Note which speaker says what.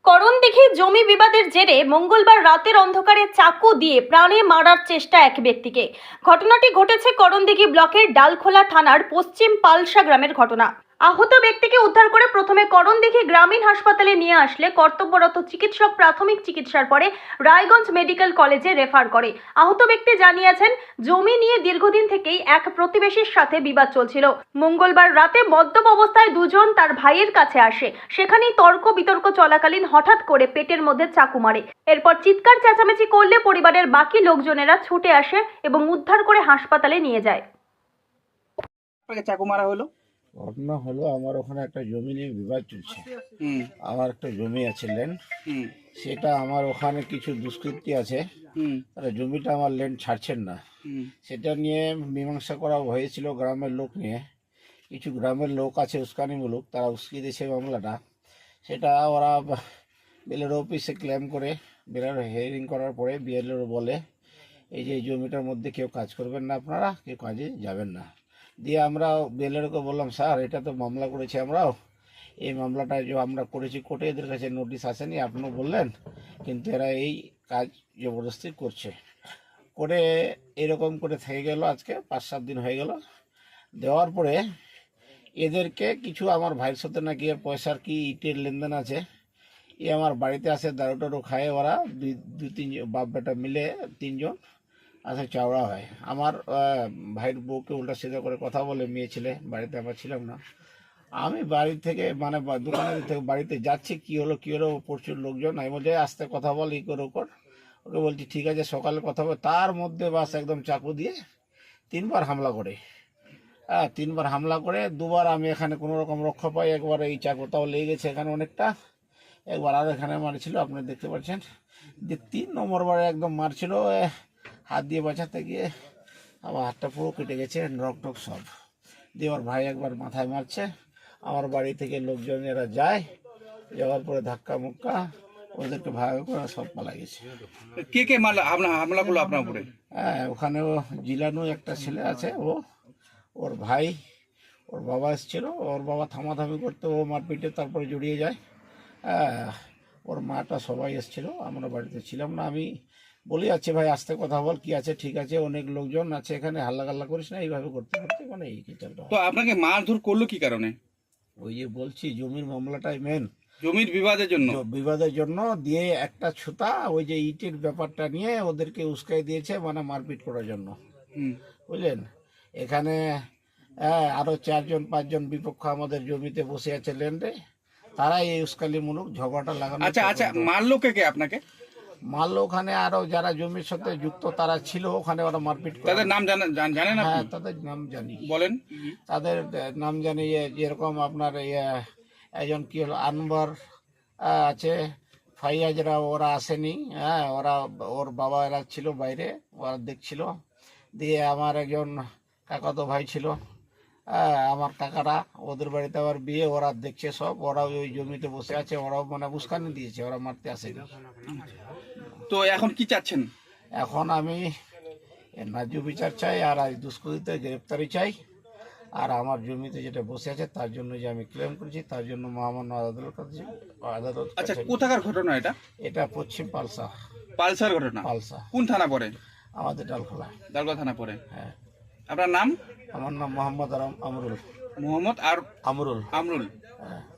Speaker 1: করণদিঘি জমি বিবাদের জেরে মঙ্গলবার রাতের অন্ধকারে চাকু দিয়ে প্রাণে মারার চেষ্টা এক ব্যক্তিকে। ঘটনাটি ঘটেছে করণদিঘি ব্লকের ডালখোলা থানার পশ্চিম পালসা গ্রামের ঘটনা। আহত ব্যক্তিকে উদ্ধার করে প্রথমে করণদিঘি গ্রামীণ হাসপাতালে নিয়ে আসলে কর্তব্যরত চিকিৎসক প্রাথমিক চিকিৎসার পরে রায়গঞ্জ মেডিকেল কলেজে রেফার করে। আহত ব্যক্তি জানিয়েছেন, জমি নিয়ে দীর্ঘদিন থেকেই এক প্রতিবেশীর সাথে বিবাদ চলছিল। মঙ্গলবার রাতে মদ্যপ অবস্থায় দুজন তার ভাইয়ের কাছে আসে। সেখানেই তর্ক বিতর্ক চলাকালীন হঠাৎ করে পেটের মধ্যে চাকু মারে। এরপর চিৎকার চেঁচামেচি করলে পরিবারের বাকি লোকজনেরা ছুটে আসে এবং উদ্ধার করে হাসপাতালে নিয়ে যায়।
Speaker 2: চাকু মারা হলো।
Speaker 3: ঘটনা হলো, আমার ওখানে একটা জমি নিয়ে বিবাদ চলছে। আমার একটা জমি আছে ল্যান্ড, সেটা আমার ওখানে কিছু দুষ্কৃতী আছে, তারা জমিটা আমার ল্যান্ড ছাড়ছেন না। সেটা নিয়ে মীমাংসা করা হয়েছিল গ্রামের লোক নিয়ে। কিছু গ্রামের লোক আছে উস্কানিমূলক, তারা উস্কিয়ে দিয়েছে মামলাটা। সেটা ওরা বিএলআর অফিসে ক্লেম করে, বিএলআর হিয়ারিং করার পরে বিএলআর বলে এই যে এই জমিটার মধ্যে কেউ কাজ করবেন না, আপনারা কেউ কাজে যাবেন না। দিয়ে আমরা বিএলআরকে বললাম, স্যার এটা তো মামলা করেছি আমরাও, এই মামলাটা যে আমরা করেছি কোর্টে, এদের কাছে নোটিশ আসেনি, আপনিও বললেন, কিন্তু এরা এই কাজ জবরদস্তি করছে। করে এরকম করে থেকে গেল, আজকে 5-7 দিন হয়ে গেল। দেওয়ার পরে এদেরকে কিছু আমার ভাইয়ের সাথে নাকি এর পয়সার কি ইটের লেনদেন আছে, এ আমার বাড়িতে আসে, দারু টারু খায়, ওরা দুই তিন বাপ বেটা মিলে 3 জন আচ্ছা চাওড়া হয়। আমার ভাইয়ের বউকে উল্টা সিধা করে কথা বলে, মেয়ে ছেলে বাড়িতে আমার ছিলাম না। আমি বাড়ি থেকে মানে দোকানের থেকে বাড়িতে যাচ্ছি, কি হলো প্রচুর লোকজন। আমি বলছি আস্তে কথা বল, ই করে ওকে বলছি ঠিক আছে সকালে কথা বল। তার মধ্যে বাস একদম চাকু দিয়ে 3বার হামলা করে। 3বার হামলা করে, 2বার আমি এখানে কোনো রকম রক্ষা পাই। একবার এই চাকুটাও লেগে গেছে এখানে অনেকটা, একবার আর এখানে মারছিল, আপনি দেখতে পাচ্ছেন। যে 3 নম্বর বারে একদম মারছিল, হাত দিয়ে বাঁচাতে গিয়ে আমার হাতটা পুরো কেটে গেছে, নখ টক সব দিয়ে। আমার ভাই একবার মাথায় মারছে, আমার বাড়ি থেকে লোকজন এরা যায়, যাওয়ার পরে ধাক্কা মুক্কা ওদেরকে ভাগ করে সব পালা গেছে।
Speaker 2: কে হামলা করলো আপনার উপরে?
Speaker 3: ওখানেও জিলানু একটা ছেলে আছে, ওর ভাই, ওর বাবা এসেছিল, ওর বাবা থামাথামি করতে, ও মারপিটে তারপরে জড়িয়ে যায়। ওর মাটা সবাই এসেছিল, আমরা বাড়িতে ছিলাম না। আমি বলি আছে ভাই আস্তে কথা বল, কি আছে ঠিক আছে, অনেক লোকজন আছে এখানে, হাল্লাগাল্লা করিস না, এইভাবে করতে করতে মানে এই কিচলটা।
Speaker 2: তো আপনাকে মারধর করলো কি কারণে?
Speaker 3: ওই যে বলছি জমির মামলাটাই মেন,
Speaker 2: জমির
Speaker 3: বিবাদের জন্য দিয়ে একটা ছুতা ওই যে ইটের ব্যাপারটা নিয়ে ওদেরকে উস্কাই দিয়েছে, মানে মারপিট করার জন্য, বুঝলেন। এখানে আরো 4-5 জন বিপক্ষ আমাদের জমিতে বসে আছে ল্যান্ডে, তারা এই উস্কালিমূলক ঝগড়াটা লাগানো।
Speaker 2: আচ্ছা মারলো কে আপনাকে?
Speaker 3: মারলো ওখানে আরো যারা জমির সাথে যুক্ত তারা ছিল ওখানে, ওরা মারপিট করে।
Speaker 2: তাদের নাম জানেন?
Speaker 3: হ্যাঁ, তাদের নাম জানি।
Speaker 2: বলেন।
Speaker 3: তাদের নাম জানি, যেরকম আপনার একজন কি হলো আনবার আছে, ফাইয়াজরা, ওরা আসেনি। ওর বাবা এরা ছিল বাইরে, ওরা দেখছিল। দিয়ে আমার একজন কাকাতো ভাই ছিল, আমার কাকারা, ওদের বাড়িতে আবার বিয়ে, ওরা দেখছে সব, ওরা ওই জমিতে বসে আছে, ওরাও মানে উস্কানি দিয়েছে, ওরা মারতে আসেনি।
Speaker 2: তো এখন কি চাচ্ছেন?
Speaker 3: এখন আমি ন্যায্য বিচার চাই, আর আজ দুষ্কৃতীদের গ্রেপ্তারি চাই, আর আমার জমিতে যেটা বসে আছে তার জন্য যে আমি ক্লেম করেছি তার জন্য মহামান্য আদালত।
Speaker 2: আচ্ছা, কোথাকার ঘটনা এটা?
Speaker 3: এটা পশ্চিম
Speaker 2: পালসার ঘটনা।
Speaker 3: পালসা
Speaker 2: কোন থানা পড়ে?
Speaker 3: আমাদের ডালখোলা
Speaker 2: থানা পড়ে।
Speaker 3: হ্যাঁ।
Speaker 2: আপনার নাম?
Speaker 3: আমার নাম মোহাম্মদ আমরুল।
Speaker 2: মোহাম্মদ আর
Speaker 3: আমরুল।
Speaker 2: আমরুল।
Speaker 3: হ্যাঁ।